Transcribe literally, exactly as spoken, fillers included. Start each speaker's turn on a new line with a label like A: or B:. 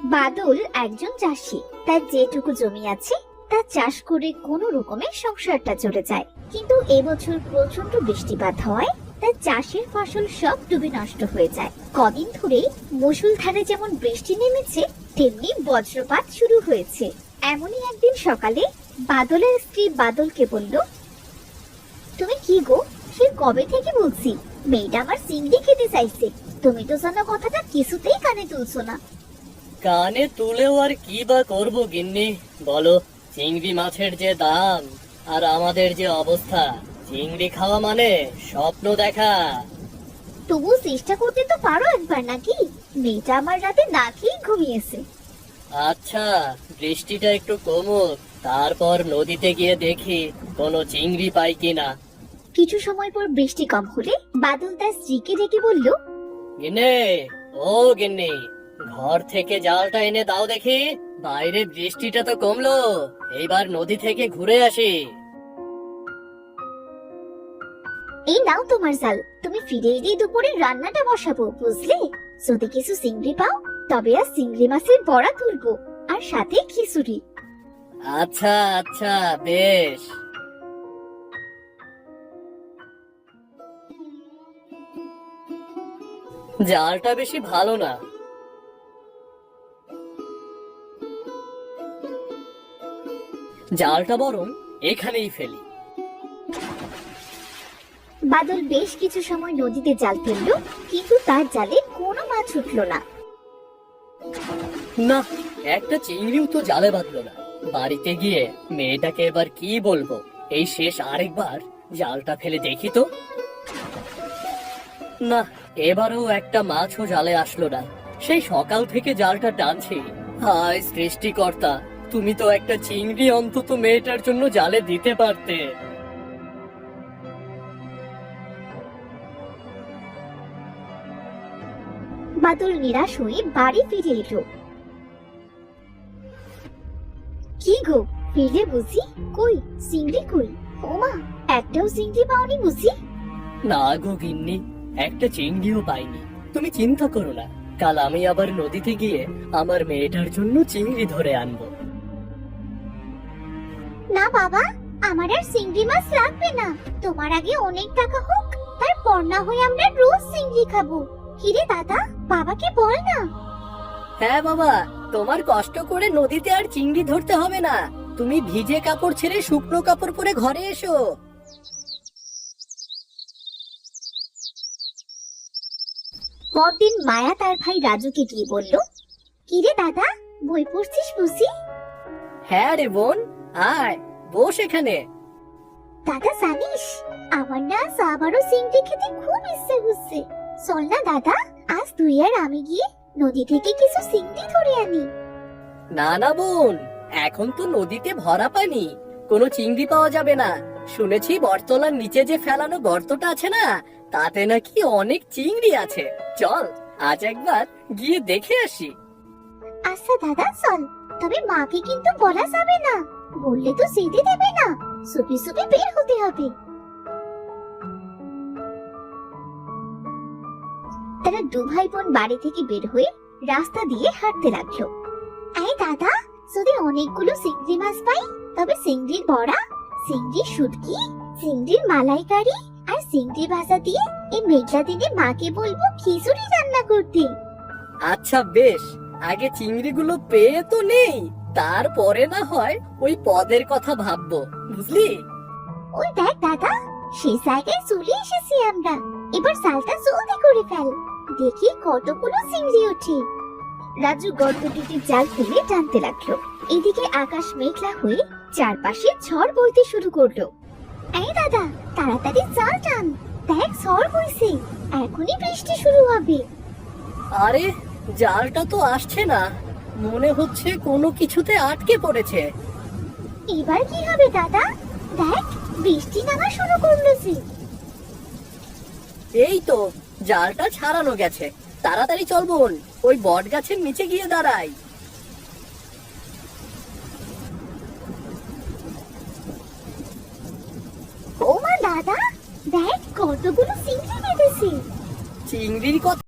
A: বাদল একজন চাষি। তার যেটুকু জমি আছে তা চাষ করে কোনো রকমে সংসারটা চলে যায়। কিন্তু এবছর প্রচন্ড বৃষ্টিপাত হওয়ায় তার চাষের ফসল সব ডুবে নষ্ট হয়ে যায়। কদিন ধরেই মুষলধারে যেমন বৃষ্টি নেমেছে তেমনি বজ্রপাত শুরু হয়েছে। এমনই একদিন সকালে বাদলের স্ত্রী বাদলকে বলল, তুমি কি গো, সে কবে থেকে বলছি মেয়েটা আমার চিংড়ি খেতে চাইছে, তুমি তো জানো কথাটা কিছুতেই কানে তুলছো না।
B: কানে তুলেও আর কি বা করবো গিন্নি, বলো। চিংড়ি মাছের যে দাম আর আমাদের যে অবস্থা, চিংড়ি খাওয়া মানে স্বপ্ন দেখা।
A: তবু চেষ্টা করতে তো পারো একবার নাকি? মেয়েটা আমার রাতে না খেয়ে ঘুমিয়েছে।
B: আচ্ছা, বৃষ্টিটা একটু কমুক, তারপর নদীতে গিয়ে দেখি কোনো চিংড়ি পাই কিনা।
A: কিছু সময় পর বৃষ্টি কম হলে বাদল তার স্ত্রীকে ডেকে বলল,
B: গিন্নি, ও গিন্নি, ঘর থেকে জালটা এনে দাও দেখি। বাইরে বৃষ্টিটা তো কমলো, এইবার নদী থেকে ঘুরে আসি।
A: এই নাও তোমার জাল, তুমি ফিরে এলেই দুপুরে রান্নাটা বসাবো, বুঝলে? যদি কিছু চিংড়ি পাও তবে আর চিংড়ি মাছের বড়া তুলবো, আর সাথে খিচুড়ি।
B: আচ্ছা আচ্ছা, বেশ। জালটা বেশি ভালো না। জালটা বরং এখানেই ফেলি।
A: বাদল বেশ কিছু সময় নদীতে জাল ফেললো, কিন্তু তার জালে কোনো মাছ উঠলো না।
B: না, একটা চিংড়িও তো জালে বাঁধলো না। বাড়িতে গিয়ে মেয়েটাকে এবার কি বলবো? এই শেষ আরেকবার জালটা ফেলে দেখি তো। না, এবারেও একটা মাছও জালে আসলো না। সেই সকাল থেকে জালটা টানছি। হায় সৃষ্টিকর্তা, তুমি তো একটা চিংড়ি অন্তত মেয়েটার জন্য জালে দিতে পারতে।
A: বাদল নিরাশ হয়ে বাড়ি ফিরে এলো। কি গো, ফিরে বুঝি? কই চিংড়ি কই? ওমা, একটাও চিংড়ি পাওনি বুঝি?
B: না গো গিন্নি, একটা চিংড়িও পাইনি। তুমি চিন্তা করো না, কাল আমি আবার নদীতে গিয়ে আমার মেয়েটার জন্য চিংড়ি ধরে আনবো।
A: না বাবা, আমার আর চিংড়ি মাছ লাগবে না। তোমার আগে অনেক টাকা হোক, তারপর না হয়ে আমরা রোজ চিংড়ি খাবো। কিরে দাদা, বাবাকে বল না।
B: হ্যাঁ বাবা, তোমার কষ্ট করে নদীতে আর চিংড়ি ধরতে হবে না। তুমি ভিজে কাপড় ছেড়ে শুকনো কাপড় পরে ঘরে এসো।
A: পরদিন মায়া তার ভাই রাজুকে গিয়ে বলল, কিরে দাদা, বই পড়ছিস বুঝি?
B: হ্যাঁ রে বোন, আয় বস এখানে।
A: দাদা জানিস, আমার না আজ আবারও চিংড়ি খেতে খুব ইচ্ছে হচ্ছে। চল না দাদা, আজ তুই আর আমি গিয়ে নদী থেকে কিছু চিংড়ি ধরে আনি।
B: না না বোন, এখন তো নদীতে ভরা পানি, কোনো চিংড়ি পাওয়া যাবে না। শুনেছি বটতলার নিচে যে ফেলানো গর্তটা আছে না, তাতে নাকি অনেক চিংড়ি আছে। চল আজ একবার গিয়ে দেখে আসি।
A: আচ্ছা দাদা চল, তবে মাকে কিন্তু বলা যাবে না, বললে তো যেতে দেবে না। সুপি সুপি বের হতে হবে। তারা দু ভাই বোন বাড়ি থেকে বের হয়ে রাস্তা দিয়ে হাঁটতে লাগলো। এই দাদা, যদি অনেকগুলো চিংড়ি মাছ পাই তবে চিংড়ির বড়া, চিংড়ির শুটকি, চিংড়ির মালাইকারি আর চিংড়ি ভাজা দিয়ে এই মেঘলা দিনে মাকে বলবো খিচুড়ি রান্না করতে।
B: আচ্ছা বেশ, আগে চিংড়িগুলো পেয়ে তো নেই, তারপরে না হয় ওই পদের কথা ভাববো, বুঝলি?
A: ওই দেখ দাদা, সেই জায়গায় চলে এসেছি আমরা। এবার জালটা জলদি করে ফেল, দেখি কতগুলো চিংড়ি ওঠে। রাজু গর্তটিতে জাল ফেলে টানতে লাগলো। এদিকে আকাশ মেঘলা হয়ে চারপাশে ঝড় বইতে শুরু করলো। এই দাদা, তাড়াতাড়ি জাল টান, দেখ ঝড় বইছে, এখনই বৃষ্টি শুরু হবে।
B: আরে, জালটা তো আসছে না, মনে হচ্ছে কোনো কিছুতে আটকে পড়েছে।
A: এবার কি হবে দাদা? দেখ বৃষ্টি নামা শুরু করলো যে।
B: এই তো জালটা ছাড়ানো গেছে, তাড়াতাড়ি চল বোন, ওই বট গাছের নিচে গিয়ে দাঁড়াই।
A: ও মা দাদা, দেখ কতগুলো চিংড়ি বেঁধেছে।
B: চিংড়ির কথা